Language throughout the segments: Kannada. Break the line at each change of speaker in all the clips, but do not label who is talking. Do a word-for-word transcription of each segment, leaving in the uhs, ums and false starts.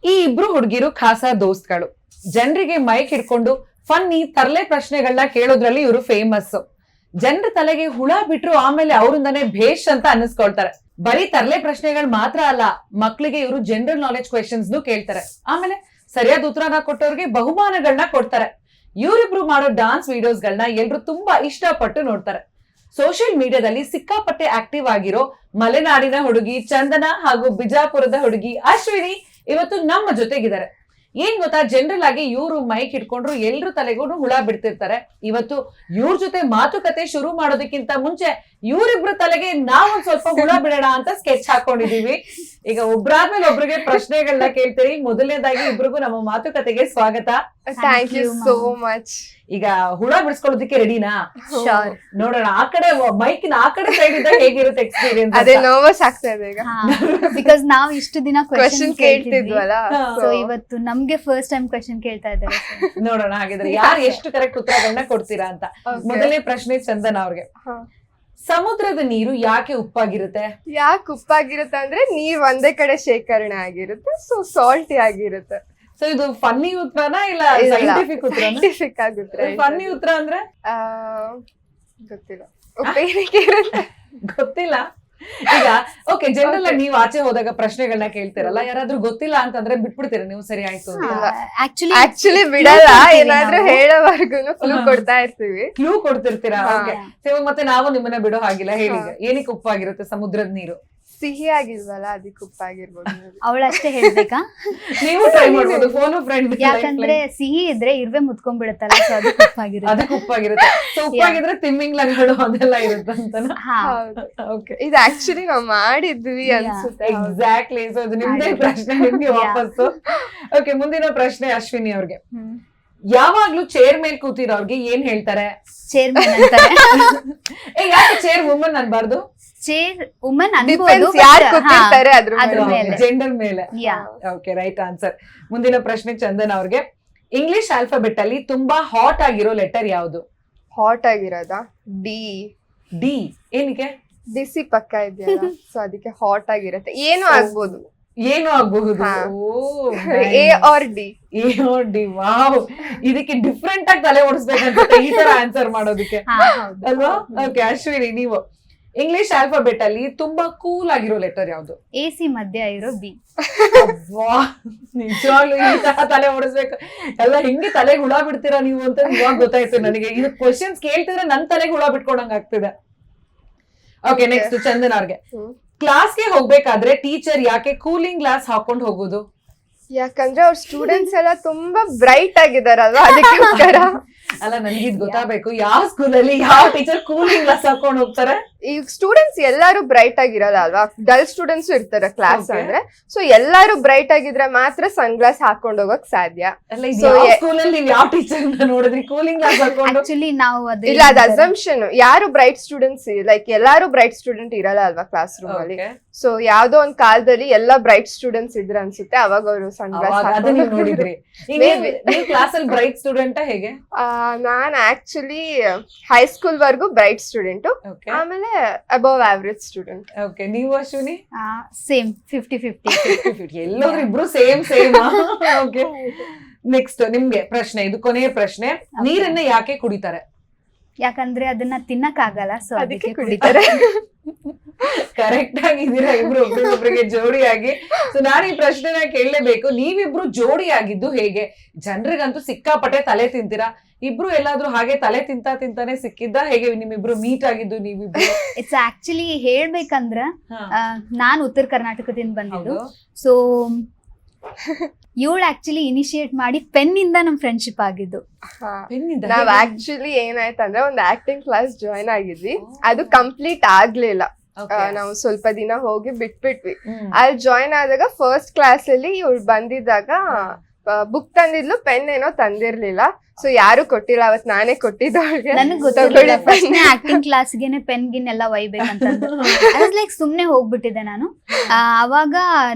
ಈ ಇಬ್ರು ಹುಡುಗಿರು ಖಾಸ ದೋಸ್ತ್ಗಳು. ಜನರಿಗೆ ಮೈಕ್ ಹಿಡ್ಕೊಂಡು ಫನ್ನಿ ತರಲೆ ಪ್ರಶ್ನೆಗಳನ್ನ ಕೇಳೋದ್ರಲ್ಲಿ ಇವರು ಫೇಮಸ್. ಜನರ ತಲೆಗೆ ಹುಳ ಬಿಟ್ರು ಆಮೇಲೆ ಅವರಿಂದಾನೇ ಭೇಷ್ ಅಂತ ಅನ್ನಿಸ್ಕೊಳ್ತಾರೆ. ಬರೀ ತರಲೆ ಪ್ರಶ್ನೆಗಳು ಮಾತ್ರ ಅಲ್ಲ, ಮಕ್ಳಿಗೆ ಇವರು ಜನರಲ್ ನಾಲೆಜ್ ಕ್ವೆಶನ್ಸ್ ಕೇಳ್ತಾರೆ. ಆಮೇಲೆ ಸರಿಯಾದ ಉತ್ತರನ ಕೊಟ್ಟವ್ರಿಗೆ ಬಹುಮಾನಗಳನ್ನ ಕೊಡ್ತಾರೆ. ಇವರಿಬ್ರು ಮಾಡೋ ಡಾನ್ಸ್ ವಿಡಿಯೋಸ್ ಗಳನ್ನ ಎಲ್ರು ತುಂಬಾ ಇಷ್ಟಪಟ್ಟು ನೋಡ್ತಾರೆ. ಸೋಷಿಯಲ್ ಮೀಡಿಯಾದಲ್ಲಿ ಸಿಕ್ಕಾಪಟ್ಟೆ ಆಕ್ಟಿವ್ ಆಗಿರೋ ಮಲೆನಾಡಿನ ಹುಡುಗಿ ಚಂದನ ಹಾಗೂ ಬಿಜಾಪುರದ ಹುಡುಗಿ ಅಶ್ವಿನಿ ಇವತ್ತು ನಮ್ಮ ಜೊತೆಗಿದ್ದಾರೆ. ಏನ್ ಗೊತ್ತಾ, ಜನರಲ್ ಆಗಿ ಇವ್ರು ಮೈಕ್ ಇಟ್ಕೊಂಡ್ರು ಎಲ್ರು ತಲೆಗೂ ಹುಳ ಬಿಡ್ತಿರ್ತಾರೆ. ಇವತ್ತು ಇವ್ರ ಜೊತೆ ಮಾತುಕತೆ ಶುರು ಮಾಡೋದಕ್ಕಿಂತ ಮುಂಚೆ ಇವ್ರಿಬ್ರು ತಲೆಗೆ ನಾವೊಂದ್ ಸ್ವಲ್ಪ ಹುಳ ಬಿಡೋಣ ಅಂತ ಸ್ಕೆಚ್ ಹಾಕೊಂಡಿದೀವಿ. ಈಗ ಒಬ್ರಾದ್ಮೇಲೆ ಒಬ್ರಿಗೆ ಪ್ರಶ್ನೆಗಳನ್ನ ಕೇಳ್ತೀರಿ. ಮೊದಲನೇದಾಗಿ ಇಬ್ರಿಗೂ ನಮ್ಮ ಮಾತುಕತೆಗೆ ಸ್ವಾಗತ.
Thank you so much.
ಈಗ ಹುಳ ಬಿಡಿಸ್ಕೊಳ್ಳೋದಕ್ಕೆ ರೆಡಿನಾ?
ಶೋರ್.
ನೋಡೋಣ, ಆ ಕಡೆ ಮೈಕಿನ ಆ ಕಡೆ ಸೈಡ್ ಇದ್ದಾಗ ಹೇಗಿರುತ್ತೆ ಎಕ್ಸ್ಪೀರಿಯನ್ಸ್?
ಅದೇ ನರ್ವಸ್ ಆಗ್ತಾ ಇದೆ ಈಗ.
ಬಿಕಾಸ್ ನಾವ್ ಇಷ್ಟು ದಿನ
ಕ್ವೆಶ್ಚನ್ ಕೇಳ್ತಿದ್ವಲ್ಲ,
ಸೊ ಇವತ್ತು ನಮ್ಗೆ ಫಸ್ಟ್ ಟೈಮ್ ಕ್ವೆಶ್ಚನ್ ಕೇಳ್ತಾ ಇದ್ದಾರೆ.
ನೋಡೋಣ ಹಾಗಿದ್ರೆ ಯಾರು ಎಷ್ಟು ಕರೆಕ್ಟ್ ಉತ್ತರಗಳನ್ನ ಕೊಡ್ತೀರಾ ಅಂತ. ಮೊದಲನೇ ಪ್ರಶ್ನೆ ಚಂದನ ಅವ್ರಿಗೆ. ಸಮುದ್ರದ ನೀರು ಯಾಕೆ ಉಪ್ಪಾಗಿರುತ್ತೆ?
ಯಾಕೆ ಉಪ್ಪಾಗಿರುತ್ತೆ ಅಂದ್ರೆ ನೀರ್ ಒಂದೇ ಕಡೆ ಶೇಖರಣೆ ಆಗಿರುತ್ತೆ, ಸೊ ಸಾಲ್ಟಿ ಆಗಿರುತ್ತೆ.
ಸೊ ಇದು ಫನ್ನಿ ಉತ್ತರನಾ ಇಲ್ಲ ಸೈಂಟಿಫಿಕ್ ಉತ್ತರನಾ?
ಸೈಂಟಿಫಿಕ್ ಆಗುತ್ತೆ.
ಫನ್ನಿ ಉತ್ತರ ಅಂದ್ರೆ
ಗೊತ್ತಿಲ್ಲ, ಉಪ್ಪೇನಕ್ಕೆ ಇರುತ್ತೆ
ಗೊತ್ತಿಲ್ಲ. ಈಗ ಓಕೆ, ಜನರಲ್ ಆಗಿ ನೀವು ಆಚೆ ಹೋದಾಗ ಪ್ರಶ್ನೆಗಳನ್ನ ಕೇಳ್ತಿರಲ್ಲ, ಯಾರಾದ್ರೂ ಗೊತ್ತಿಲ್ಲ ಅಂತಂದ್ರೆ ಬಿಟ್ಬಿಡ್ತೀರಾ ನೀವು? ಸರಿ ಆಯ್ತು
ಆಕ್ಚುಲಿ
ಆಕ್ಚುಲಿ ಬಿಡಲ್ಲ, ಏನಾದ್ರೂ ಹೇಳೋವರೆಗೂ ಕ್ಲೂ ಕೊಡ್ತಾ ಇರ್ತೀವಿ.
ಕ್ಲೂ ಕೊಡ್ತಿರ್ತೀರಾ? ಓಕೆ, ಮತ್ತೆ ನಾವು ನಿಮ್ಮನ್ನ ಬಿಡೋ ಹಾಗಿಲ್ಲ. ಹೇಳಿ, ಏನಕ್ಕೆ ಉಪ್ಪಾಗಿರುತ್ತೆ ಸಮುದ್ರದ ನೀರು?
ಸಿಹಿ ಆಗಿಲ್ವಲ್ಲ, ಅದಕ್ಕೆ ಉಪ್ಪಾಗಿರ್ಬೋದು.
ಅವಳಷ್ಟೇ ಹೇಳ್ಬೇಕಾ?
ನೀವು ಟ್ರೈ ಮಾಡ್ಬೋದು, ಫೋನ್ ಫ್ರೆಂಡ್.
ಯಾಕಂದ್ರೆ ಸಿಹಿ ಇದ್ರೆ ಇರುವೆ ಮುತ್ಕೊಂಡ್ಬಿಡುತ್ತಲ್ಲ, ಸೊ ಅದಕ್ಕೆ ಉಪ್ಪಾಗಿರುತ್ತೆ.
ಅದಕ್ಕೆ ಉಪ್ಪಾಗಿರುತ್ತೆ. ಸೊ ಉಪ್ಪಾಗಿದ್ರೆ ತಿಮ್ಮಿಂಗ್ಲಗಳು ಅದೆಲ್ಲ ಇರುತ್ತೆ ಅಂತ.
ಓಕೆ, ಇದು ಆಕ್ಚುಲಿ ನಾವ್ ಮಾಡಿದ್ವಿ ಅನ್ಸುತ್ತೆ.
ಎಕ್ಸಾಕ್ಟ್ಲಿ. ಸೊ ಅದು ನಿಮ್ದೇ ಪ್ರಶ್ನೆ, ನಿಮ್ಗೆ ವಾಪಸ್ಸು. ಓಕೆ, ಮುಂದಿನ ಪ್ರಶ್ನೆ ಅಶ್ವಿನಿ ಅವ್ರಿಗೆ. ಯಾವಾಗ್ಲೂ ಚೇರ್ ಮೇಲೆ ಕೂತಿರೋರ್ಗೆ ಏನ್ ಹೇಳ್ತಾರೆ?
ಚೇರ್ಮನ್ ಅಂತಾರೆ.
ಯಾಕೆ ಚೇರ್ ವುಮನ್ ಅನ್ಬಾರ್ದು?
ಚೇರ್ ವುಮನ್ ಅನ್ಬೋದು,
ಯಾರು ಕೂತಿರ್ತಾರೆ ಅದ್ರ
ಮೇಲೆ,
ಜೆಂಡರ್ ಮೇಲೆ. Okay, right answer. ಮುಂದಿನ ಪ್ರಶ್ನೆ ಚಂದನ್ ಅವ್ರಿಗೆ. ಇಂಗ್ಲಿಷ್ ಆಲ್ಫಾಬೆಟ್ ಅಲ್ಲಿ ತುಂಬಾ ಹಾಟ್ ಆಗಿರೋ ಲೆಟರ್ ಯಾವುದು?
ಹಾಟ್ ಆಗಿರೋದಾ? ಡಿ.
ಡಿ ಏನಕ್ಕೆ?
ಬಿಸಿ ಪಕ್ಕ ಇದೆಯಲ್ಲ, ಸೊ ಅದಕ್ಕೆ ಹಾಟ್ ಆಗಿರುತ್ತೆ. ಏನು ಆಗ್ಬೋದು,
ಏನು ಆಗ್ಬಹುದು.
A R D.
A R D. Wow, ಇದಕ್ಕೆ ಡಿಫ್ರೆಂಟ್ ಆಗಿ ತಲೆ ಓಡಿಸ್ಬೇಕಂತ ಈ ತರ ಆನ್ಸರ್ ಮಾಡೋದಕ್ಕೆ ಅಲ್ವಾ? ಓಕೆ, ಅಶ್ವಿನಿ ನೀವು. ಇಂಗ್ಲಿಷ್ ಆಲ್ಫಾಬೆಟ್ ಅಲ್ಲಿ ತುಂಬಾ ಕೂಲ್ ಆಗಿರೋ ಲೆಟರ್ ಯಾವುದು?
ಎ ಸಿ ಮಧ್ಯ ಇರೋ ಬಿ.
ನಿಜವಾಗ್ಲೂ ಈ ತರ ತಲೆ ಓಡಿಸ್ಬೇಕು ಎಲ್ಲ ಹಿಂಗೆ ತಲೆಗೆ ಹುಳ ಬಿಡ್ತೀರಾ ನೀವು ಅಂತ ಇವಾಗ ಗೊತ್ತಾಯ್ತು ನನಗೆ. ಇದು ಕ್ವಶನ್ಸ್ ಕೇಳ್ತಿದ್ರೆ ನನ್ ತಲೆಗೆ ಹುಳ ಬಿಟ್ಕೊಡಂಗ್ ಆಗ್ತಿದೆ. ಓಕೆ, ನೆಕ್ಸ್ಟ್ ಚಂದನ್ ಅವ್ರಿಗೆ. ಕ್ಲಾಸ್ಗೆ ಹೋಗ್ಬೇಕಾದ್ರೆ ಟೀಚರ್ ಯಾಕೆ ಕೂಲಿಂಗ್ ಗ್ಲಾಸ್ ಹಾಕೊಂಡ್ ಹೋಗೋದು?
ಯಾಕಂದ್ರೆ ಅವ್ರ ಸ್ಟೂಡೆಂಟ್ಸ್ ಎಲ್ಲ ತುಂಬಾ ಬ್ರೈಟ್ ಆಗಿದಾರಲ್ವಾ, ಅದಕ್ಕೋಸ್ಕರ.
ಅಲ್ಲ, ನನ್ಗಿದ್ ಗೊತ್ತಾಗಬೇಕು, ಯಾವ ಸ್ಕೂಲಲ್ಲಿ ಯಾವ ಟೀಚರ್ ಕೂಲಿಂಗ್ ಗ್ಲಾಸ್ ಹಾಕೊಂಡ್ ಹೋಗ್ತಾರೆ?
ಈಗ ಸ್ಟೂಡೆಂಟ್ಸ್ ಎಲ್ಲಾರು ಬ್ರೈಟ್ ಆಗಿರಲ್ಲ ಅಲ್ವಾ, ಡಲ್ ಸ್ಟೂಡೆಂಟ್ಸ್ ಇರ್ತಾರೆ ಕ್ಲಾಸ್ ಅಂದ್ರೆ. ಸೊ ಎಲ್ಲಾರು ಬ್ರೈಟ್ ಆಗಿದ್ರೆ ಮಾತ್ರ ಸನ್ ಗ್ಲಾಸ್ ಹಾಕೊಂಡ್ ಹೋಗಕ್ ಸಾಧ್ಯ.
ಸ್ಕೂಲಲ್ಲಿ ನೀವು ಯಾವ ಟೀಚರ್ ನೋಡಿದ್ರಿ ಕೂಲಿಂಗ್ ಗ್ಲಾಸ್ ಹಾಕೊಂಡು?
ಆಕ್ಚುಲಿ ನಾವು ಅದು
ಇಲ್ಲ, ಅದು ಅಸಂಪ್ಷನ್. ಯಾರು ಬ್ರೈಟ್ ಸ್ಟೂಡೆಂಟ್ಸ್, ಲೈಕ್ ಎಲ್ಲಾರು ಬ್ರೈಟ್ ಸ್ಟೂಡೆಂಟ್ ಇರಲ್ಲ ಅಲ್ವಾ ಕ್ಲಾಸ್ ರೂಮ್ ಅಲ್ಲಿ. ಸೊ ಯಾವ್ದೋ ಒಂದ್ ಕಾಲದಲ್ಲಿ ಎಲ್ಲಾ ಬ್ರೈಟ್ ಸ್ಟೂಡೆಂಟ್ಸ್ ಇದ್ರ ಅನ್ಸುತ್ತೆ, ಅವಾಗ ಅವರು ಸನ್ ಗ್ಲಾಸ್
ನೋಡಿದ್ರಿ. ಕ್ಲಾಸ್ ಅಲ್ಲಿ ಬ್ರೈಟ್ ಸ್ಟೂಡೆಂಟ್ ಹೇಗೆ?
ನಾನ್ ಆಕ್ಚುಲಿ ಹೈಸ್ಕೂಲ್ ವರ್ಗು ಬ್ರೈಟ್ ಸ್ಟೂಡೆಂಟ್, ಆಮೇಲೆ ಅಬವ್ ಆವರೇಜ್ ಸ್ಟೂಡೆಂಟ್.
ಓಕೆ, ನೀವು ಅಶ್ವಿನಿ?
Same fifty fifty.
ಎಲ್ಲರೂ ಇಬ್ರು ಸೇಮ್ ಸೇಮ್. ಓಕೆ, ನೆಕ್ಸ್ಟ್ ನಿಮ್ಗೆ ಪ್ರಶ್ನೆ, ಇದು ಕೊನೆಯ ಪ್ರಶ್ನೆ. ನೀರನ್ನ ಯಾಕೆ ಕುಡಿತಾರೆ?
ಯಾಕಂದ್ರೆ ಅದನ್ನ ತಿನ್ನಕ್ ಆಗಲ್ಲ, ಸೊ
ಅದಕ್ಕೆ ಕುಡಿತಾರೆ.
ಕರೆಕ್ಟ್ ಆಗಿದ್ದೀರಾ ಇಬ್ರು, ಒಬ್ರಿಗೊಬ್ರಿಗೆ ಜೋಡಿಯಾಗಿ. ಸೊ ನಾನು ಈ ಪ್ರಶ್ನೆನ ಕೇಳಲೇಬೇಕು, ನೀವಿಬ್ರು ಜೋಡಿ ಆಗಿದ್ದು ಹೇಗೆ? ಜನರಿಗಂತೂ ಸಿಕ್ಕಾಪಟ್ಟೆ ತಲೆ ತಿಂತೀರಾ. ಇಬ್ರು ಎಲ್ಲಾದ್ರೂ ಹಾಗೆ ತಲೆ ತಿಂತಾ ತಿಂತಾನೆ ಸಿಕ್ಕಿದ್ದ ಹೇಗೆ ನಿಮ್ಮಿಬ್ರು ಮೀಟ್ ಆಗಿದ್ದು ನೀವಿಬ್ರು?
ಇಟ್ಸ್ ಆಕ್ಚುಲಿ ಹೇಳ್ಬೇಕಂದ್ರ ನಾನ್ ಉತ್ತರ ಕರ್ನಾಟಕದಿಂದ ಬಂದಿದ್ದು. ಸೊ ಇವಳು ಆಕ್ಚುಲಿ ಇನಿಶಿಯೇಟ್ ಮಾಡಿ ಪೆನ್ ಇಂದ ನಮ್ ಫ್ರೆಂಡ್ಶಿಪ್ ಆಗಿದ್ದು.
ನಾವ್ ಆಕ್ಚುಲಿ ಏನಾಯ್ತಂದ್ರೆ ಒಂದ್ ಆಕ್ಟಿಂಗ್ ಕ್ಲಾಸ್ ಜಾಯ್ನ್ ಆಗಿದ್ವಿ, ಅದು ಕಂಪ್ಲೀಟ್ ಆಗ್ಲಿಲ್ಲ. ನಾವು ಸ್ವಲ್ಪ ದಿನ ಹೋಗಿ ಬಿಟ್ಬಿಟ್ವಿ. ಅಲ್ಲಿ ಜಾಯ್ನ್ ಆದಾಗ ಫಸ್ಟ್ ಕ್ಲಾಸ್ ಅಲ್ಲಿ ಇವಳು ಬಂದಿದ್ದಾಗ ಬುಕ್ ತಂದಿದ್ಲು, ಪೆನ್ ಏನೋ ತಂದಿರ್ಲಿಲ್ಲ. ಸೊ ಯಾರು ಕೊಟ್ಟಿಲ್ಲ, ಅವತ್ ನಾನೇ ಕೊಟ್ಟಿದ್ದು ಅವ್ರಿಗೆ.
ನನಗ್ ಗೊತ್ತಿಲ್ಲ ಫಸ್ಟ್ ಆಕ್ಟಿಂಗ್ ಕ್ಲಾಸ್ಗೆನೆ ಪೆನ್ ಗಿನ್ ಎಲ್ಲ ಒಯ್ಬೇಕಂತಂದು ಲೈಕ್ ಸುಮ್ನೆ ಹೋಗ್ಬಿಟ್ಟಿದ್ದೆ ನಾನು. ಆ, ಅವಾಗ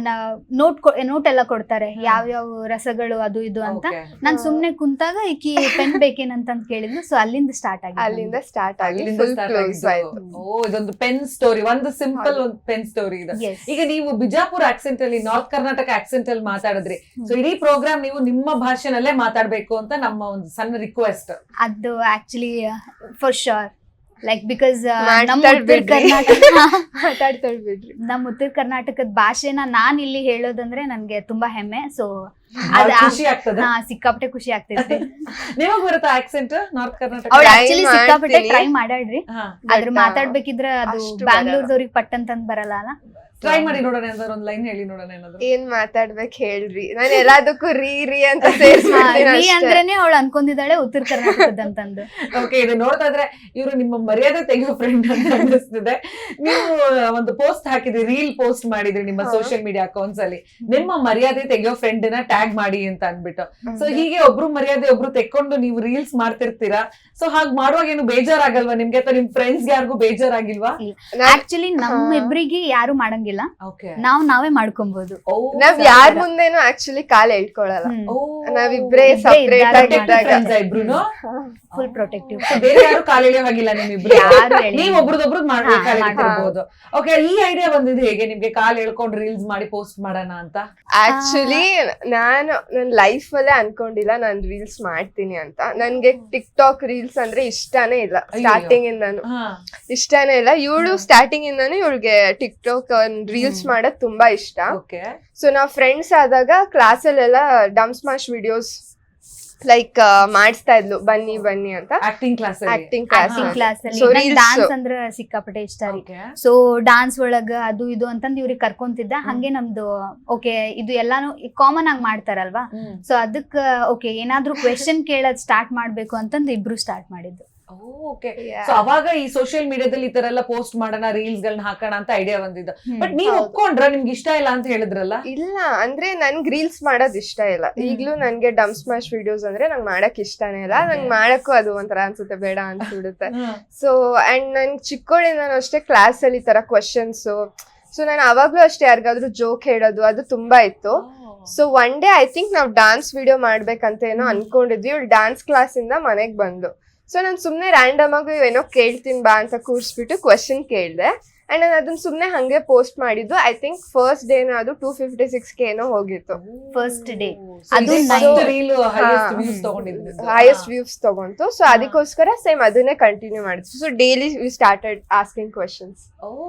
ನೋಟ್ ನೋಟ್ ಎಲ್ಲ ಕೊಡ್ತಾರೆ ಯಾವ ಯಾವ ರಸಗಳು ಅದು ಇದು ಅಂತ. ನಾನ್ ಸುಮ್ನೆ ಕುಂತಾಗ ಈಕಿ ಪೆನ್ ಬೇಕೇನಂತ ಕೇಳಿದ್ಲು. ಸೊ ಅಲ್ಲಿಂದ ಸ್ಟಾರ್ಟ್ ಆಗಿ
ಅಲ್ಲಿಂದ ಸ್ಟಾರ್ಟ್ ಆಗಿ
ಅಲ್ಲಿಂದ
ಫುಲ್
start
ಕ್ಲೋಸ್
ಆಗಿದ್ದು.
ಆಯ್ತು.
ಓ ಇದೊಂದು ಪೆನ್ ಸ್ಟೋರಿ, ಒಂದು ಸಿಂಪಲ್
ಹೌದು.
ಒಂದು ಪೆನ್ ಸ್ಟೋರಿ ಇದು.
Yes.
ಈಗ ನೀವು ಬಿಜಾಪುರ ಆಕ್ಸೆಂಟ್ ಅಲ್ಲಿ, ನಾರ್ತ್ ಕರ್ನಾಟಕ ಆಕ್ಸೆಂಟ್ ಅಲ್ಲಿ ಮಾತಾಡಿದ್ರಿ. ಸೊ ಇಡೀ ಪ್ರೋಗ್ರಾಮ್ ನೀವು ನಿಮ್ಮ ಭಾಷೆನಲ್ಲೇ ಮಾತಾಡ್ಬೇಕು ಅಂತ ನಮ್ಮ ಒಂದು ಸಣ್ಣ ರಿಕ್ವೆಸ್ಟ್.
ಅದು actually for sure like because ನಮ್ಮ
ಮಾತಾಡ್
ಉತ್ತರ
ಬಿಡ್ರಿ.
ಕರ್ನಾಟಕ
ಮಾತಾಡ್ತಾಳ್ ಬಿಡ್ರಿ.
ನಮ್ಮ ಉತ್ತರ ಕರ್ನಾಟಕದ ಭಾಷೆನ ನಾನ್ ಇಲ್ಲಿ ಹೇಳೋದಂದ್ರೆ ನನ್ಗೆ ತುಂಬಾ ಹೆಮ್ಮೆ. ಸೊ
ಬಹಳ
ಅದ
ಖುಷಿ ಆಗ್ತದೆ.
ಹಾ ಸಿಕ್ಕಾಪಟ್ಟೆ ಖುಷಿ ಆಗ್ತೈತಿ.
ನಿಮಗ್ ಬರುತ್ತಾ ಆಕ್ಸೆಂಟ್ ನಾರ್ತ್ ಕರ್ನಾಟಕ?
ಅವ್ಳು
Try
ಆಕ್ಚುಲಿ ಸಿಕ್ಕಾಪಟ್ಟೆ
ಮಾಡ್ತೀನಿ.
ಟ್ರೈ ಮಾಡ್ಯಾಳ್ರಿ.
ಹಾ
ಅದ್ರ
But,
ಮಾತಾಡ್ಬೇಕಿದ್ರೆ ಅದು
ಅಷ್ಟು
ಬ್ಯಾಂಗ್ಳೂರ್ದವ್ರಿಗೆ ಪಟ್ ಅಂತಂದ್ ಬರಲ್ಲ ಅಲ್ಲ.
ಟ್ರೈ ಮಾಡಿ ನೋಡೋಣ, ಏನಾದ್ರು ಒಂದ್ ಲೈನ್ ಹೇಳಿ ನೋಡೋಣ ಏನಾದ್ರು.
ಏನ್ ಮಾತಾಡ್ಬೇಕು ಹೇಳ್ರಿ, ನಾನು ಎಲ್ಲದಕ್ಕೂ ರೀ ರೀ ಅಂತ ಸೇರಿಸ್ಬಿಡ್ತೀನಿ
ರೀ
ಅಷ್ಟೇ.
ಅಂದ್ರೇನೆ ಅವಳು ಅನ್ಕೊಂಡಿದ್ದಾಳೆ ಉತ್ತರ ಕರ್ನಾಟಕದ ಅಂತಂದು.
ಓಕೆ, ಇದು ನೋಡ್ತಾ ಇದ್ರೆ ಇವರು ನಿಮ್ಮ ಮರ್ಯಾದೆ ತೆಗೆಯೋ ಫ್ರೆಂಡ್ ಅಂತ ಅನಿಸ್ತಿದೆ. ನೀವು ಒಂದು ಪೋಸ್ಟ್ ಹಾಕಿದ್ರಿ, ರೀಲ್ ಪೋಸ್ಟ್ ಮಾಡಿದ್ರಿ ನಿಮ್ಮ
ಹಾ.
ಸೋಷಿಯಲ್ ಮೀಡಿಯಾ ಅಕೌಂಟ್ಸ್ ಅಲ್ಲಿ, ನಿಮ್ಮ ಮರ್ಯಾದೆ ತೆಗೆಯೋ ಫ್ರೆಂಡ್ ನ ಟ್ಯಾಗ್ ಮಾಡಿ ಅಂತ ಅನ್ಬಿಟ್ಟು. ಸೊ ಹೀಗೆ ಒಬ್ರು ಮರ್ಯಾದೆ ಒಬ್ರು ತೆಕ್ಕೊಂಡು ನೀವು ರೀಲ್ಸ್ ಮಾಡ್ತಿರ್ತೀರಾ. ಸೊ ಹಾಗ್ ಮಾಡುವಾಗ ಏನು ಬೇಜಾರಾಗಲ್ವಾ ನಿಮ್ಗೆ, ಅಥವಾ ನಿಮ್ ಫ್ರೆಂಡ್ಸ್ ಯಾರಿಗೂ ಬೇಜಾರಾಗಿಲ್ವಾ?
ಆಕ್ಚುಲಿ ನಮ್ಮಿಬ್ರಿಗೆ ಯಾರು ಮಾಡಂಗಿಲ್ಲ,
ಓಕೆ,
ನಾವ್ ನಾವೇ ಮಾಡ್ಕೊಬಹುದು.
ನಾವ್ ಯಾರ್ ಮುಂದೆನೂ ಆಕ್ಚುಲಿ ಕಾಲ್ ಎಳ್ಕೊಳಲ್ಲ. ನಾವಿಬ್ರೇ
ಇಬ್ರೇ
ಸಪ್ರೇಟ್
ಇದ್ದಾಗ
ಆಗಿದ್ದಾಗ
ಇಬ್ರುನು
ಫುಲ್ ಪ್ರೊಟೆಕ್ಟಿವ್.
So, ಬೇರೆ ಯಾರು ಕಾಲೆಳೆಯೋ ಹಾಗಿಲ್ಲ ನಿಮ್ಮಿಬ್ರು,
ಯಾರು ಎಳೆಯಲ್ಲ.
ನೀವ್ ಒಬ್ರದೊಬ್ರದ್
ಹಾ,
ಮಾಡ್ಬೇಕಾಗಿರ್ಬೋದು. ಓಕೆ, ಈ ಐಡಿಯಾ ಬಂದಿದ್ದು ಹೇಗೆ ನಿಮ್ಗೆ? ಕಾಲ್ ಎಳ್ಕೊಂಡು ರೀಲ್ಸ್ ಮಾಡಿ ಪೋಸ್ಟ್ ಮಾಡೋಣ ಅಂತ?
ಆಕ್ಚುಲಿ ನಾನು ನನ್ ಲೈಫ್ ಅಲ್ಲೇ ಅನ್ಕೊಂಡಿಲ್ಲ ನಾನ್ ರೀಲ್ಸ್ ಮಾಡ್ತೀನಿ ಅಂತ. ನನ್ಗೆ ಟಿಕ್ ಟಾಕ್ ರೀಲ್ಸ್ ಅಂದ್ರೆ ಇಷ್ಟಾನೇ ಇಲ್ಲ ಸ್ಟಾರ್ಟಿಂಗ್ ಇಂದಾನು,
ಹಾ
ಇಷ್ಟಾನೇ ಇಲ್ಲ. ಇವಳು ಸ್ಟಾರ್ಟಿಂಗ್ ಇಂದಾನು ಇವಳಿಗೆ ಟಿಕ್ ಟಾಕ್ ರೀಲ್ಸ್ ಮಾಡೋದ್ ತುಂಬಾ ಇಷ್ಟ.
ಓಕೆ,
ಸೊ ನಾವ್ ಫ್ರೆಂಡ್ಸ್ ಆದಾಗ ಕ್ಲಾಸಲ್ಲೆಲ್ಲ ಡಮ್ ಸ್ಮಾಶ್ ವಿಡಿಯೋಸ್ ಲೈಕ್ ಮಾಡಿಸ್ತಾ ಇದ್ಲು, ಬನ್ನಿ ಬನ್ನಿ ಅಂತ
acting class
acting class.
Acting class
So,
ಅಲ್ಲಿ
reels.
ಡಾನ್ಸ್ ಅಂದ್ರ ಸಿಕ್ಕಾಪಟ್ಟೆ ಇಷ್ಟ ರೀ. ಸೊ ಡಾನ್ಸ್ ಒಳಗ ಅದು ಇದು ಅಂತಂದ್ ಇವ್ರಿಗೆ ಕರ್ಕೊಂತಿದ್ದ. ಹಂಗೆ ನಮ್ದು ಓಕೆ ಇದು ಎಲ್ಲಾನು ಕಾಮನ್ ಆಗಿ ಮಾಡ್ತಾರಲ್ವಾ. ಸೊ ಅದಕ್ಕ ಓಕೆ ಏನಾದ್ರೂ ಕ್ವೆಶನ್ ಕೇಳೋದ್ ಸ್ಟಾರ್ಟ್ ಮಾಡ್ಬೇಕು ಅಂತಂದ್ ಇಬ್ರು ಸ್ಟಾರ್ಟ್ ಮಾಡಿದ್ದು.
ಓಕೆ, ಸೊ ಅವಾಗ ಈ ಸೋಷಿಯಲ್ ಮೀಡಿಯಾದಲ್ಲಿ ಈ ತರ ಎಲ್ಲ ಪೋಸ್ಟ್ ಮಾಡೋಣ, ರೀಲ್ಸ್ ಗಳನ್ನ ಹಾಕೋಣ ಅಂತ ಐಡಿಯಾ ಬಂದಿದ್ದು. ಬಟ್ ನೀವ್
ಹೌದು.
ಒಪ್ಕೊಂಡ್ರ? ನಿಮ್ಗೆ ಇಷ್ಟ ಇಲ್ಲ ಅಂತ ಹೇಳಿದ್ರಲ್ಲ?
ಇಲ್ಲ ಅಂದ್ರೆ ನನ್ಗ್ ರೀಲ್ಸ್ ಮಾಡೋದ್ ಇಷ್ಟ ಇಲ್ಲ. ಈಗ್ಲೂ ನನ್ಗೆ ಡಮ್ ಸ್ಮಾಶ್ ವಿಡಿಯೋಸ್ ಅಂದ್ರೆ ನಂಗೆ ಮಾಡಕ್ ಇಷ್ಟನೇ ಇಲ್ಲ. ನಂಗೆ ಮಾಡಕ್ಕೂ ಅದು ಒಂಥರ ಅನ್ಸುತ್ತೆ, ಬೇಡ ಅನ್ಸ್ಬಿಡುತ್ತೆ. ಸೊ ಅಂಡ್ ನನ್ ಚಿಕ್ಕೋಳಿಂದ ಅಷ್ಟೇ ಕ್ಲಾಸ್ ಅಲ್ಲಿ ಈ ತರ ಕ್ವಶನ್ಸ್. ಸೊ ನಾನು ಅವಾಗ್ಲೂ ಅಷ್ಟೇ ಯಾರಿಗಾದ್ರೂ ಜೋಕ್ ಹೇಳೋದು ಅದು ತುಂಬಾ ಇತ್ತು. So one day I think ನಾವ್ ಡಾನ್ಸ್ ವಿಡಿಯೋ ಮಾಡ್ಬೇಕಂತ ಏನೋ ಅನ್ಕೊಂಡಿದ್ವಿ. ಇವಳು ಡಾನ್ಸ್ ಕ್ಲಾಸ್ ಇಂದ ಮನೆಗ್ ಬಂದು, ಸೊ ನಾನು ಸುಮ್ನೆ ರ್ಯಾಂಡಮ್ ಆಗಿ ಏನೋ ಕೇಳ್ತೀನಿ ಬಾ ಅಂತ ಕೂರ್ಸ್ಬಿಟ್ಟು ಕ್ವಶನ್ ಕೇಳ್ದೆ. ಅಂಡ್ ನಾನು ಅದನ್ನ ಸುಮ್ನೆ ಹಂಗೆ ಪೋಸ್ಟ್ ಮಾಡಿದ್ದು. ಐ ಥಿಂಕ್ ಫಸ್ಟ್ ಡೇ ಅದು ಟೂ ಫಿಫ್ಟಿ ಸಿಕ್ಸ್ ಕೆ ಏನೋ ಹೋಗಿತ್ತು
ಫಸ್ಟ್ ಡೇ.
ಅದು
ಅದು
ರೀಲ್ ಹೈಯೆಸ್ಟ್ ವ್ಯೂಸ್ ತಗೊಂಡಿದ್ದು.
ಹೈಯೆಸ್ಟ್ ವ್ಯೂಸ್ ತಗೊಂತು. ಸೊ ಅದಕ್ಕೋಸ್ಕರ ಸೇಮ್ ಅದನ್ನೇ ಕಂಟಿನ್ಯೂ ಮಾಡಿದ್ವಿ. So daily we started asking questions.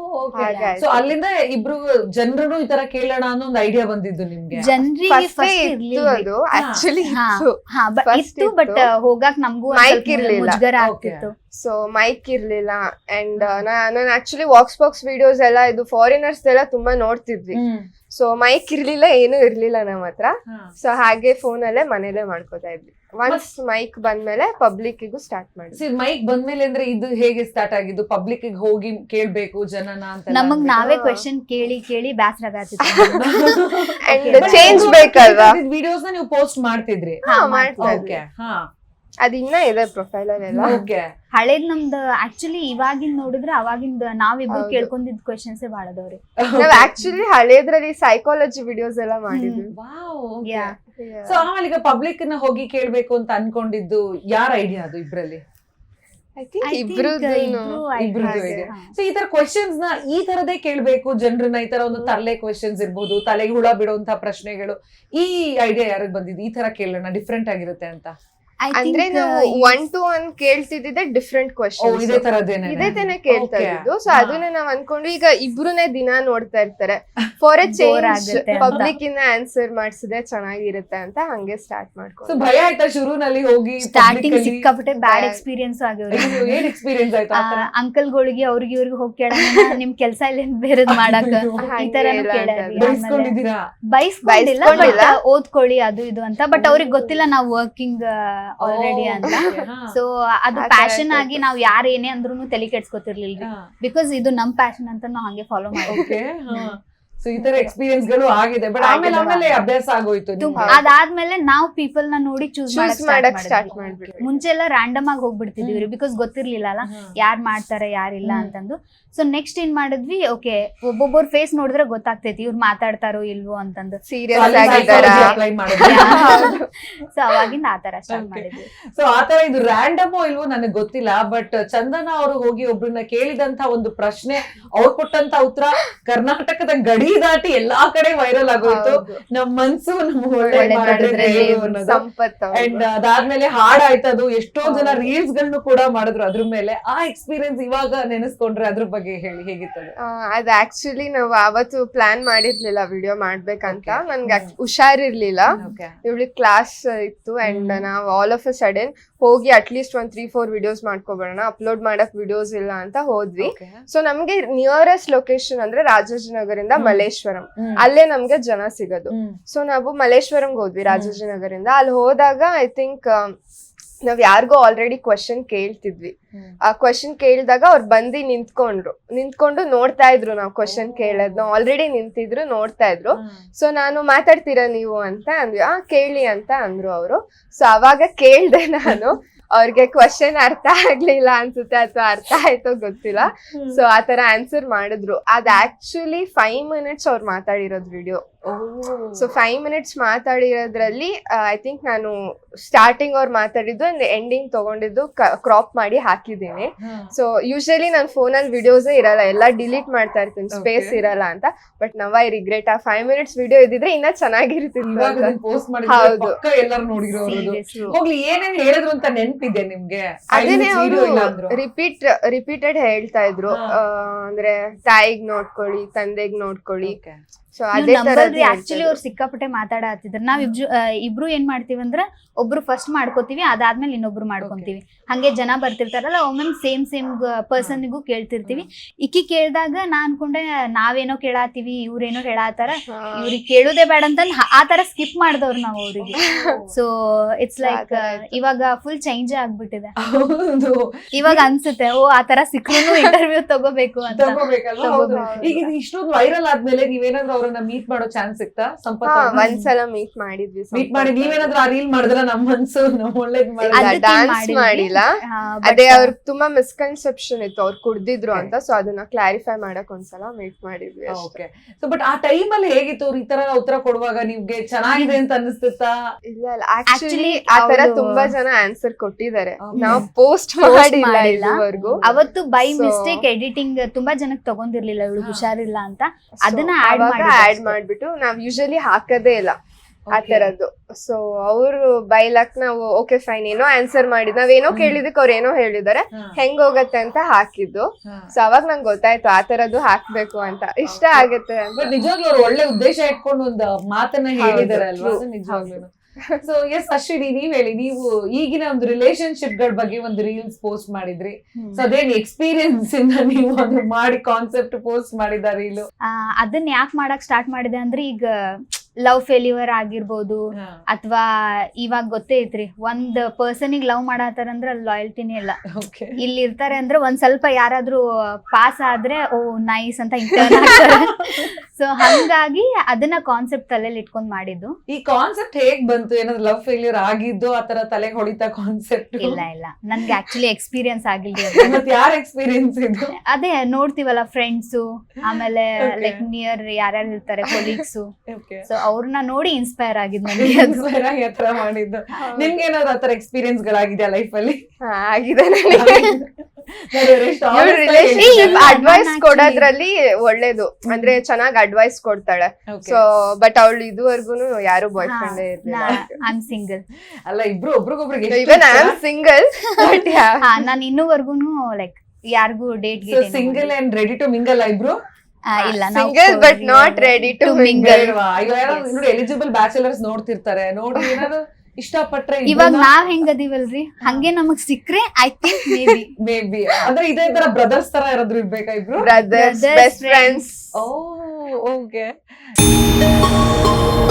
So ಅಲ್ಲಿಂದ ಇಬ್ರು ಜನರು ಈ ತರ ಕೇಳೋಣ ಅನ್ನೋ ಒಂದು ಐಡಿಯಾ ಬಂದಿದ್ದು ನಿಮ್ಗೆ?
ಜನರಿಗೆ
ಫಸ್ಟ್
ಫಸ್ಟ್
ಇತ್ತು
ಇರ್ಲಿಲ್ಲ.
ಅದು ಆಕ್ಚುಲಿ
ಹಾ,
ಇತ್ತು.
ಹಾ, ಬ-
First
ಇತ್ತು ಬಟ್
ಇತ್ತು.
ಹೋಗಾಕ್ ನಮಗೂ
Mic ಇರ್ಲಿಲ್ಲ.
ಮುಜುಗರ
Okay.
ಆಗ್ತಿತ್ತು.
ಸೊ ಮೈಕ್ ಇರ್ಲಿಲ್ಲ. ಅಂಡ್ ನಾನು ಆಕ್ಚುಲಿ ವಾಕ್ಸ್ ಬಾಕ್ಸ್ ವಿಡಿಯೋಸ್ ಎಲ್ಲ ಇದು ಫಾರಿನರ್ಸ್ ಎಲ್ಲ ತುಂಬಾ ನೋಡ್ತಿದ್ವಿ. ಸೊ ಮೈಕ್ ಇರ್ಲಿಲ್ಲ, ಏನು ಇರ್ಲಿಲ್ಲ ನಮ್ಮ ಹತ್ರ. ಸೊ ಹಾಗೆ ಫೋನ್ ಅಲ್ಲೇ ಮನೇಲೆ ಮಾಡ್ಕೋತಾ ಇದ್ವಿ. ಒನ್ಸ್ ಮೈಕ್ ಬಂದ್ಮೇಲೆ ಪಬ್ಲಿಕ್ ಗೂ ಸ್ಟಾರ್ಟ್ ಮಾಡಿ.
ಮೈಕ್ ಬಂದ್ಮೇಲೆ ಅಂದ್ರೆ ಇದು ಹೇಗೆ ಸ್ಟಾರ್ಟ್ ಆಗಿದ್ದು? ಪಬ್ಲಿಕ್ ಹೋಗಿ ಕೇಳ್ಬೇಕು ಜನನ ಅಂತ
ನಮಗ್ ನಾವೇ ಕ್ವೆಶನ್ ಕೇಳಿ ಕೇಳಿ ಬ್ಯಾಸರ ಆಗ್ತಿತ್ತು.
ಅಂಡ್ ಚೇಂಜ್ ಬೇಕಲ್ವಾ?
ವಿಡಿಯೋಸ್ ನ ನೀವು ಪೋಸ್ಟ್ ಮಾಡ್ತಿದ್ರಿ?
ಹಾ, ಮಾಡ್ತಾ ಇದ್ವಿ.
ಓಕೆ, ಹಾ,
ಅದ್ ಇನ್ನ ಇದೆ ಪ್ರೊಫೈಲ್ ಅಲ್ಲೆಲ್ಲ.
ಓಕೆ.
ಹಳೇದ್ ನಮ್ದು ಆಕ್ಚುಲಿ ಇವಾಗಿಂದ ನೋಡಿದ್ರೆ ಅವಾಗಿಂದ ನಾವಿಬ್ರು
ಹೌದು.
ಕೇಳ್ಕೊಂಡಿದ್ ಕ್ವೆಶನ್ಸ್ ಬಾಳದವ್ರಿ.
ನಾವ್ ಆಕ್ಚುಲಿ ಹಳೇದ್ರಲ್ಲಿ ಸೈಕಾಲಜಿ ವಿಡಿಯೋಸ್ ಎಲ್ಲ ಮಾಡಿದ್ವಿ.
Yeah.
ಸೊ ಆಮೇಲೆ ಈಗ ಪಬ್ಲಿಕ್ ನ ಹೋಗಿ ಕೇಳ್ಬೇಕು ಅಂತ ಅನ್ಕೊಂಡಿದ್ದು ಯಾರ ಐಡಿಯಾ ಅದು ಇಬ್ರಲ್ಲಿ?
ಐ ಥಿಂಕ್
I think
ಇಬ್ರದ್ದು
ಇಬ್ರು
ಇಬ್ರದ್ದು
ಹಾಗೆ.
ಇದೆ. ಸೊ ಈ ತರ ಕ್ವೆಶನ್ಸ್ ನ ಈ ತರದೇ ಕೇಳ್ಬೇಕು ಜನರನ್ನ, ಈ ತರ ಒಂದು ತರಲೆ ಕ್ವೆಶನ್ಸ್ ಇರ್ಬೋದು, ತಲೆಗೆ ಹುಳ ಬಿಡುವಂತ ಪ್ರಶ್ನೆಗಳು, ಈ ಐಡಿಯಾ ಯಾರಿಗ್ ಬಂದಿದ್ದು? ಈ ತರ ಕೇಳೋಣ, ಡಿಫ್ರೆಂಟ್ ಆಗಿರುತ್ತೆ ಅಂತ.
I
ಅಂದ್ರೆ
think,
ನಾವು
uh,
ಒನ್ ಟು ಒನ್ ಕೇಳ್ತಿದ್ದಿದ್ದೆ ಡಿಫ್ರೆಂಟ್
ಓ,
ಕ್ವಶನ್ಸ್.
ಇದೇ ತರದೇನೆ
ಇದೇ ತಾನೇ ಕೇಳ್ತಾ
Okay.
ಇದ್ದು. ಸೊ
ಹಾ.
ಅದನ್ನ ನಾವ್ ಅನ್ಕೊಂಡು ಈಗ ಇಬ್ರುನೇ ದಿನ ನೋಡ್ತಾ ಇರ್ತಾರೆ. ಫಾರ್ ಎ
Bore
ಚೇಂಜ್
ಆಗುತ್ತೆ ಅಂತ.
ಪಬ್ಲಿಕ್ ಇಂದ ಆನ್ಸರ್ ಮಾಡ್ಸಿದ್ರೆ ಚೆನ್ನಾಗಿರುತ್ತೆ ಅಂತ ಹಂಗೆ ಸ್ಟಾರ್ಟ್
ಸೊ
ಮಾಡ್ಕೊಂಡು.
ಭಯ ಆಯ್ತಾ ಶುರುನಲ್ಲಿ ಹೋಗಿ
ಸ್ಟಾರ್ಟಿಂಗ್
public ಅಲ್ಲಿ?
ಸಿಕ್ಕಾಪಟ್ಟೆ ಬ್ಯಾಡ್
Bad.
ಎಕ್ಸ್ಪೀರಿಯನ್ಸ್ ಆಗ್ಯವ್ರಿ.
ಅಯ್ಯೋ, ಏನ್ ಎಕ್ಸ್ಪೀರಿಯನ್ಸ್ ಆಯ್ತು ಆ ತರ?
ಅಂಕಲ್ಗಳಿಗೆ ಅವ್ರಿಗೆ ಇವ್ರಿಗೆ ಹೋಗಿ ಕೇಳೋಣ ನಿಮ್ ಕೆಲ್ಸ ಇಲ್ಲ ಬೇರೆದ್ ಮಾಡಾಕ
ಅಯ್ಯೋ,
ಈ ತರನು
ಹಾಗೆ
ಕೇಳ್ಯಾರಿ.
ಇಲ್ಲ
ಬೈಸ್ಕೊಂಡಿದ್ದೀರಾ?
ಬೈಸ್ಕೊಂಡಿಲ್ಲ,
ಬೈಸ್ಕೊಂಡಿಲ್ಲ.
ಬಟ್ ಓದ್ಕೊಳ್ಳಿ ಅದು ಇದು ಅಂತ. ಬಟ್ ಅವ್ರಿಗೆ ಗೊತ್ತಿಲ್ಲ ನಾವು ವರ್ಕಿಂಗ್ ಆಲ್ರೆಡಿ ಅಂತ. ಸೊ ಅದು
ಆ ತರ
ಪ್ಯಾಷನ್ ಆಗಿ
ಇರ್ತೈತೆ.
ನಾವ್ ಯಾರು ಏನೇ ಅಂದ್ರೂ ತಲೆ ಕೆಡ್ಸ್ಕೊತಿರ್ಲಿಲ್ರಿ. ಬಿಕಾಸ್ ಇದು ನಮ್ ಪ್ಯಾಷನ್ ಅಂತ ನಾವ್ ಹಂಗೆ ಫಾಲೋ ಮಾಡಿ.
ಓಕೆ, ಸೊ ಈ ತರ ಎಕ್ಸ್ಪೀರಿಯನ್ಸ್ ಗಳು ಆಗಿದೆ ಬಟ್ ಆಮೇಲೆ ಆಮೇಲೆ ಅಭ್ಯಾಸ ಆಗೋಯ್ತು ನಿಮ್ಗೆ.
ಅದಾದ್ಮೇಲೆ ನಾವು ಪೀಪಲ್ ನ ನೋಡಿ ಚೂಸ್
ಚೂಸ್ ಮಾಡಕ್ ಸ್ಟಾರ್ಟ್ ಮಾಡ್ಬಿಟ್ಟು
ಮುಂಚೆ ಎಲ್ಲ ರ್ಯಾಂಡಮ್ ಆಗಿ ಹೋಗ್ಬಿಡ್ತಿದ್ವಿ ಬಿಕಾಸ್ ಗೊತ್ತಿರ್ಲಿಲ್ಲ ಅಲ್ಲ ಯಾರ್ ಮಾಡ್ತಾರೆ ಯಾರಿಲ್ಲ ಅಂತಂದು. ಸೊ ನೆಕ್ಸ್ಟ್ ಏನ್ ಮಾಡಿದ್ವಿ, ಓಕೆ ಒಬ್ಬೊಬ್ಬರ ಫೇಸ್ ನೋಡಿದ್ರೆ ಗೊತ್ತಾಗ್ತೈತಿ ಇವ್ರು ಮಾತಾಡ್ತಾರೋ ಇಲ್ವೋ ಅಂತಂದು.
ಸೀರಿಯಸ್
ಅಲ್ಲಿ
ಆಗಿದ್ದಾರ
psychology apply ಮಾಡಿದ್ರಿ.
ಸೊ ಅವಾಗಿಂದ ಆತರ ಸ್ಟಾರ್ಟ್
Okay.
ಮಾಡಿದ್ವಿ.
ಸೊ ಆತರ ಇದು ರ್ಯಾಂಡಮೋ ಇಲ್ವೋ ನನಗೆ ಗೊತ್ತಿಲ್ಲ ಬಟ್ ಚಂದನ ಅವರು ಹೋಗಿ ಒಬ್ರನ್ನ ಕೇಳಿದಂತ ಒಂದು ಪ್ರಶ್ನೆ ಅವ್ರು ಕೊಟ್ಟಂತ ಉತ್ತರ ಕರ್ನಾಟಕದ ಗಡಿ ದಾಟಿ ಎಲ್ಲಾ ಕಡೆ ವೈರಲ್ ಆಗೋಯ್ತು. ನಮ್ ಮನ್ಸು ನಮ್ ಒಳ್ಳೆ
ಒಳ್ಳೆ
ಮಾಡಿದ್ರೆ
ಮಾಡಿದ್ರೆ
ದೇವ್ರು
ದೇವ್ರು
ಅನ್ನೋದು.
ಸಂಪತ್ ಅವ್ರು.
ಅಂಡ್ ಅದಾದ್ಮೇಲೆ ಹಾಡ್ ಆಯ್ತದು, ಎಷ್ಟೋ ಜನ
ಹೌದು.
ರೀಲ್ಸ್ ಗಳನ್ನು ಕೂಡ ಮಾಡಿದ್ರು ಅದ್ರ ಮೇಲೆ. ಆ ಎಕ್ಸ್ಪೀರಿಯನ್ಸ್ ಇವಾಗ ನೆನೆಸ್ಕೊಂಡ್ರೆ ಅದ್ರ ಬಗ್ಗೆ ಹೇಳಿ ಹೇಗಿತ್ತದು?
ಆ, ಅದ್ ಆಕ್ಚುಲಿ ನಾವು ಅವತ್ತು ಪ್ಲಾನ್ ಮಾಡಿರ್ಲಿಲ್ಲ ವಿಡಿಯೋ ಮಾಡ್ಬೇಕಂತ. ನನ್ಗೆ act- ಹುಷಾರಿರ್ಲಿಲ್ಲ, ಇವಳಿಗೆ ಕ್ಲಾಸ್ ಇತ್ತು ಅಂಡ್ ನಾವು ಆಲ್ ಆಫ್ ಅ ಸಡನ್ ಹೋಗಿ ಅಟ್ಲೀಸ್ಟ್ ಒಂದ್ ತ್ರೀ ಫೋರ್ ವಿಡಿಯೋಸ್ ಮಾಡ್ಕೊಬೋಣ, ಅಪ್ಲೋಡ್ ಮಾಡಕ್ ವಿಡಿಯೋಸ್ ಇಲ್ಲ ಅಂತ ಹೋದ್ವಿ. ಸೊ ನಮ್ಗೆ ನಿಯರೆಸ್ಟ್ ಲೊಕೇಶನ್ ಅಂದ್ರೆ ರಾಜಾಜಿನಗರಿಂದ ಮಲ್ಲೇಶ್ವರಂ, ಅಲ್ಲೇ ನಮ್ಗೆ ಜನ ಸಿಗೋದು. ಸೊ ನಾವು ಮಲ್ಲೇಶ್ವರಂಗೆ ಹೋದ್ವಿ ರಾಜಾಜಿನಗರಿಂದ. ಅಲ್ಲಿ ಹೋದಾಗ ಐ ಥಿಂಕ್ ನಾವ್ ಯಾರಿಗೋ ಆಲ್ರೆಡಿ ಕ್ವಶನ್ ಕೇಳ್ತಿದ್ವಿ. ಆ ಕ್ವಶನ್ ಕೇಳಿದಾಗ ಅವ್ರು ಬಂದು ನಿಂತ್ಕೊಂಡ್ರು, ನಿಂತ್ಕೊಂಡು ನೋಡ್ತಾ ಇದ್ರು ನಾವು ಕ್ವಶನ್ ಕೇಳೋದ್ನ. ಆಲ್ರೆಡಿ ನಿಂತಿದ್ರು ನೋಡ್ತಾ ಇದ್ರು. ಸೊ ನಾನು ಮಾತಾಡ್ತೀರಾ ನೀವು ಅಂತ ಅಂದ್ವಿ. ಆ ಕೇಳಿ ಅಂತ ಅಂದ್ರು ಅವರು. ಸೊ ಅವಾಗ ಕೇಳ್ದೆ ನಾನು. ಅವ್ರಿಗೆ ಕ್ವಶನ್ ಅರ್ಥ ಆಗ್ಲಿಲ್ಲ ಅನ್ಸುತ್ತೆ ಅಥವಾ ಅರ್ಥ ಆಯ್ತೋ ಗೊತ್ತಿಲ್ಲ. ಸೊ ಆತರ ಆನ್ಸರ್ ಮಾಡಿದ್ರು. ಅದ್ ಆಕ್ಚುಲಿ ಫೈವ್ ಮಿನಿಟ್ಸ್ ಅವ್ರು ಮಾತಾಡಿರೋದ್ ವಿಡಿಯೋ. ಸೊ ಫೈವ್ ಮಿನಿಟ್ಸ್ ಮಾತಾಡಿರೋದ್ರಲ್ಲಿ ಐ ಥಿಂಕ್ ನಾನು ಸ್ಟಾರ್ಟಿಂಗ್ ಅವ್ರು ಮಾತಾಡಿದ್ದು ಅಂಡ್ ಎಂಡಿಂಗ್ ತಗೊಂಡಿದ್ದು ಕ್ರಾಪ್ ಮಾಡಿ ಹಾಕಿದ್ದೀನಿ. ಸೊ ಯೂಶಲಿ ನನ್ನ ಫೋನಲ್ಲಿ ವಿಡಿಯೋಸೇ ಇರಲ್ಲ, ಎಲ್ಲ ಡಿಲೀಟ್ ಮಾಡ್ತಾ ಇರ್ತೀನಿ ಸ್ಪೇಸ್ ಇರಲ್ಲ ಅಂತ. ಬಟ್ ನವ್ ಐ ರಿಗ್ರೆಟ್, ಆ ಫೈವ್ ಮಿನಿಟ್ಸ್ ವಿಡಿಯೋ ಇದ್ದಿದ್ರೆ ಇನ್ನ ಚೆನ್ನಾಗಿರ್ತಿತ್ತು ಅಂತ.
ಪೋಸ್ಟ್
ಹೌದು.
ಮಾಡಿದ್ರೆ ಎಲ್ಲರೂ ನೋಡಿರೋರು.
Seriously.
ಹೋಗ್ಲಿ ಏನೇನ್ ಹೇಳಿದ್ರು ಅಂತ ನೆನ್ಪಿದೆ ನಿಮ್ಗೆ?
ಅದೇನೆ ಅವರು
Video ಇಲ್ಲ ಅಂದ್ರು.
ರಿಪೀಟ್ ರಿಪೀಟೆಡ್ ಹೇಳ್ತಾ ಇದ್ರು. ಆ, ಅಂದ್ರೆ ತಾಯಿಗ್ ನೋಡ್ಕೊಳ್ಳಿ, ತಂದೆಗ್ ನೋಡ್ಕೊಳ್ಳಿ.
Okay.
ಸೊ ಅದೇ ತರ
ಆಕ್ಚುಲಿ ಅವ್ರು ಸಿಕ್ಕಾಪಟ್ಟೆ ಮಾತಾಡತ್ತಿದ್ರು. ನಾವ್ ಇಬ್ರು ಇಬ್ರು ಏನ್ ಮಾಡ್ತೀವಿ ಅಂದ್ರೆ ಒಬ್ರು ಫಸ್ಟ್ ಮಾಡ್ಕೋತೀವಿ, ಅದಾದ್ಮೇಲೆ ಇನ್ನೊಬ್ರು ಮಾಡ್ಕೊಂತೀವಿ. ಹಂಗೆ ಜನ ಬರ್ತಿರ್ತಾರಲ್ಲ ಒಮ್ಮೊಮ್ಮೆ ಸೇಮ್ ಸೇಮ್ ಪರ್ಸನ್ಗೂ ಕೇಳ್ತಿರ್ತೀವಿ. ಇಕ್ಕಿ ಕೇಳ್ದಾಗ ನಾ ಅನ್ಕೊಂಡೆ ನಾವೇನೋ ಕೇಳಾತೀವಿ, ಇವ್ರೇನೋ ಹೇಳಾತಾರ, ಇವ್ರಿಗೆ ಕೇಳುದೇ ಬೇಡ ಅಂತ ಆ ತರ ಸ್ಕಿಪ್ ಮಾಡ್ದವ್ರು ನಾವ್ ಅವ್ರಿಗೆ. ಸೊ ಇಟ್ಸ್ ಲೈಕ್ ಇವಾಗ ಫುಲ್ ಚೇಂಜ್ ಆಗ್ಬಿಟ್ಟಿದೆ.
ಹೌದು.
ಇವಾಗ ಅನ್ಸುತ್ತೆ ಓ ಆತರ ಸಿಕ್ಕೂ ಇಂಟರ್ವ್ಯೂ ತಗೋಬೇಕು ಅಂತ.
ತಗೋಬೇಕಲ್ವಾ? ಹೌದು. ಈಗ ಇದು ಇಷ್ಟೊಂದು ವೈರಲ್ ಆದ್ಮೇಲೆ ನೀವೇನಾದ್ರೂ ಅವ್ರನ್ನ ಮೀಟ್ ಮಾಡೋ ಚಾನ್ಸ್ ಸಿಕ್ತಾ? ಸಂಪತ್
ಒಂದ್ಸಲ ಮೀಟ್ ಮಾಡಿದ್ವಿ.
ಮೀಟ್ ಮಾಡಿ ನೀವೇನಾದ್ರೂ ಆ ರೀಲ್ ಮಾಡಿದ್ರ ನಮ್ಮ ಮನ್ಸು ನಮ್ ಒಳ್ಳೇದ್ ಮಾಡಿ
ಅದಕ್ಕೆ
ಡಾನ್ಸ್
ಮಾಡಿದ್ವಿ.
ಮಾಡಿಲ್ಲ.
ಹಾ,
ಅದೇ
but,
ಅವ್ರಿಗೆ ತುಂಬಾ ಮಿಸ್ಕನ್ಸೆಪ್ಷನ್ ಇತ್ತು, ಅವ್ರು ಕುಡ್ದಿದ್ರು ಅಂತ. ಸೊ ಅದನ್ನ ಕ್ಲಾರಿಫೈ ಮಾಡಕ್ ಒಂದ್ಸಲ ಮೀಟ್ ಮಾಡಿದ್ವಿ ಅಷ್ಟೇ.
ಓಕೆ. ಸೊ ಬಟ್ ಆ ಟೈಮ್ ಅಲ್ಲಿ ಹೇಗಿತ್ತು ಅವ್ರು ಈ ತರ ಉತ್ತರ ಕೊಡುವಾಗ? ನಿಮ್ಗೆ ಚೆನ್ನಾಗಿದೆ ಅಂತ ಅನಿಸ್ತಿತ್ತಾ?
ಇಲ್ಲ ಇಲ್ಲ ಆಕ್ಚುಲಿ
Actually,
ಆತರ
ಅವ್ರು-
ತುಂಬಾ ಜನ ಆನ್ಸರ್ ಕೊಟ್ಟಿದ್ದಾರೆ.
Okay.
ನಾವು ಪೋಸ್ಟ್
Post
ಮಾಡಿಲ್ಲ
ಮಾಡಿಲ್ಲ.
ಇದುವರೆಗೂ.
ಅವತ್ತು ಬೈ
So-
ಮಿಸ್ಟೇಕ್ ಎಡಿಟಿಂಗ್ ತುಂಬಾ ಜನಕ್ಕೆ ತಗೊಂಡಿರ್ಲಿಲ್ಲ, ಇವಳು
ಹಾ.
ಹುಷಾರಿಲ್ಲ ಅಂತ.
So,
ಅದನ್ನ add
ಅವಾಗ
ಮಾಡಿದ್ದು
ಆಡ್
ಅಷ್ಟೇ.
ಮಾಡ್ಬಿಟ್ಟು ನಾವ್ ಯೂಶಲಿ ಹಾಕದೇ ಇಲ್ಲ ಆ
Okay.
ತರದ್ದು. ಸೊ ಅವರು ಬೈಲಕ್ ನಾವು ಓಕೆ ಫೈನ್ ಏನೋ ಆನ್ಸರ್ ಮಾಡಿದ್, ನಾವೇನೋ ಕೇಳಿದಕ್ಕೆ ಅವ್ರು ಏನೋ ಹೇಳಿದಾರೆ,
ಹಾ.
ಹೆಂಗ್ ಹೋಗತ್ತೆ ಅಂತ ಹಾಕಿದ್ದು.
ಹಾ.
ಸೊ ಅವಾಗ ನಂಗೆ ಗೊತ್ತಾಯ್ತು ಆ ತರದ್ದು ಹಾಕ್ಬೇಕು ಅಂತ, ಇಷ್ಟ ಆಗತ್ತೆ ಅಂತ.
ಬಟ್ ನಿಜವಾಗ್ಲೂ ಅವ್ರು ಒಳ್ಳೆ ಉದ್ದೇಶ ಇಟ್ಕೊಂಡು ಒಂದು ಮಾತನ್ನ ಹೇಳಿದಾರೆ ಅಲ್ವಾ?
true.
ಅದು ನಿಜವಾಗ್ಲೂ. ಸೊ ಎಸ್ ಅಶ್ವಿನಿ, ನೀವ್ ಹೇಳಿ, ನೀವು ಈಗಿನ ಒಂದು ರಿಲೇಶನ್ಶಿಪ್ ಗಳ ಬಗ್ಗೆ ಒಂದು ರೀಲ್ಸ್ ಪೋಸ್ಟ್ ಮಾಡಿದ್ರಿ. ಸೊ ಅದೇನ್ ಎಕ್ಸ್ಪೀರಿಯನ್ಸ್ ಇಂದ ನೀವು ಅದು ಮಾಡಿ ಕಾನ್ಸೆಪ್ಟ್ ಪೋಸ್ಟ್ ಮಾಡಿದ ರೀಲು?
ಆ, ಅದನ್ನ ಯಾಕೆ ಮಾಡಕ್ ಸ್ಟಾರ್ಟ್ ಮಾಡಿದೆ ಅಂದ್ರೆ ಈಗ ಲವ್ ಫೇಲ್ಯೂರ್ ಆಗಿರ್ಬೋದು ಅಥವಾ ಇವಾಗ ಗೊತ್ತೇ ಐತ್ರಿ, ಒಂದ್ ಪರ್ಸನಿಗೆ ಲವ್ ಮಾಡತ್ತಾರಂದ್ರ ಅಲ್ಲಿ ಲಾಯಲ್ಟಿನೇ ಇಲ್ಲ.
ಓಕೆ.
ಇಲ್ಲಿ ಇರ್ತಾರೆ ಅಂದ್ರೆ ಒಂದ್ ಸ್ವಲ್ಪ ಯಾರಾದ್ರೂ ಪಾಸ್ ಆದ್ರೆ ಓ ನೈಸ್ ಅಂತ ಇಂಟರ್ನ್ ಆಗ್ತಾರೆ. ಸೊ ಹಂಗಾಗಿ ಅದನ್ನ ಕಾನ್ಸೆಪ್ಟ್ ತಲೆಯಲ್ಲಿ ಇಟ್ಕೊಂಡ್ ಮಾಡಿದ್ದು.
ಈ ಕಾನ್ಸೆಪ್ಟ್ ಹೇಗ್ ಬಂತು? ಏನಾದ್ರು ಲವ್ ಫೇಲ್ಯೂರ್ ಆಗಿದ್ದು ಆತರ ತಲೆಗೆ ಹೊಡಿತಾ ಕಾನ್ಸೆಪ್ಟ್?
ಇಲ್ಲ ಇಲ್ಲ ನನ್ಗೆ ಆಕ್ಚುಲಿ ಎಕ್ಸ್ಪೀರಿಯನ್ಸ್ ಆಗಿಲ್ಲ.
ಮತ್ ಯಾರ ಎಕ್ಸ್ಪೀರಿಯನ್ಸ್ ಇದು?
ಅದೇ ನೋಡ್ತೀವಲ್ಲ ಫ್ರೆಂಡ್ಸು, ಆಮೇಲೆ
Okay.
ಲೈಕ್ ನಿಯರ್ ಯಾರ್ಯಾರು ಇರ್ತಾರೆ ಕೊಲೀಗ್ಸು,
ಓಕೆ.
ಸೊ ಅವ್ರನ್ನ ನೋಡಿ ಇನ್ಸ್ಪೈರ್ ಆಗಿದ್ ನನಗೆ ಅದು.
ಇನ್ಸ್ಪೈರ್ ಆಗಿ ಆತರ ಮಾಡಿದ್ದು. ನಿಮ್ಗೆ ಏನಾದ್ರು ಆತರ ಎಕ್ಸ್ಪೀರಿಯನ್ಸ್ ಗಳಾಗಿದ್ಯಾ ಲೈಫ್ ಅಲ್ಲಿ?
ಹಾ, ಆಗಿದೆ ನನಗೆ. ರಿಲೇಶನ್ಶಿಪ್
ಇಲ್ಲ,
ಅಡ್ವೈಸ್
ನಾನು
ಕೊಡೋದ್ರಲ್ಲಿ ಒಳ್ಳೇದು, ಅಂದ್ರೆ ಚೆನ್ನಾಗ್ ಅಡ್ವೈಸ್ ಕೊಡ್ತಾಳೆ. ಸೊ ಬಟ್ ಅವಳು ಇದುವರೆಗೂ ಯಾರು ಬಾಯ್ ಫ್ರೆಂಡ್ ಇರ್ಲಿಲ್ಲ.
I am single.
ಅಲ್ಲ, ಇಬ್ರು ಒಬ್ರಿಗೊಬ್ರಿಗೆ
even I am single. But
ಹಾ ನಾನು ಇನ್ನೂವರೆಗೂನು ಲೈಕ್ ಯಾರಿಗೂ date
single and ready to mingle ಇಬ್ರು?
ಇಲ್ಲ
single but not ready to mingle.
ನೋಡಿ ಎಲಿಜಿಬಲ್ ಬ್ಯಾಚುಲರ್ಸ್ ನೋಡ್ತಿರ್ತಾರೆ, ನೋಡಿ ಏನಾದ್ರು ಇಷ್ಟಪಟ್ರೆ
ಇವಾಗ ನಾವ್ ಹೆಂಗದಿವಲ್ರಿ ಹಂಗೆ ನಮಗ್ ಸಿಕ್ಕ್ರೆ I think maybe
maybe ಅಂದ್ರೆ ಇದೇ ತರ ಬ್ರದರ್ಸ್ ತರ ಯಾರಾದ್ರೂ ಇರ್ಬೇಕಾ ಇಬ್ರು?
Brothers,
Brothers,
best friends.
Oh okay.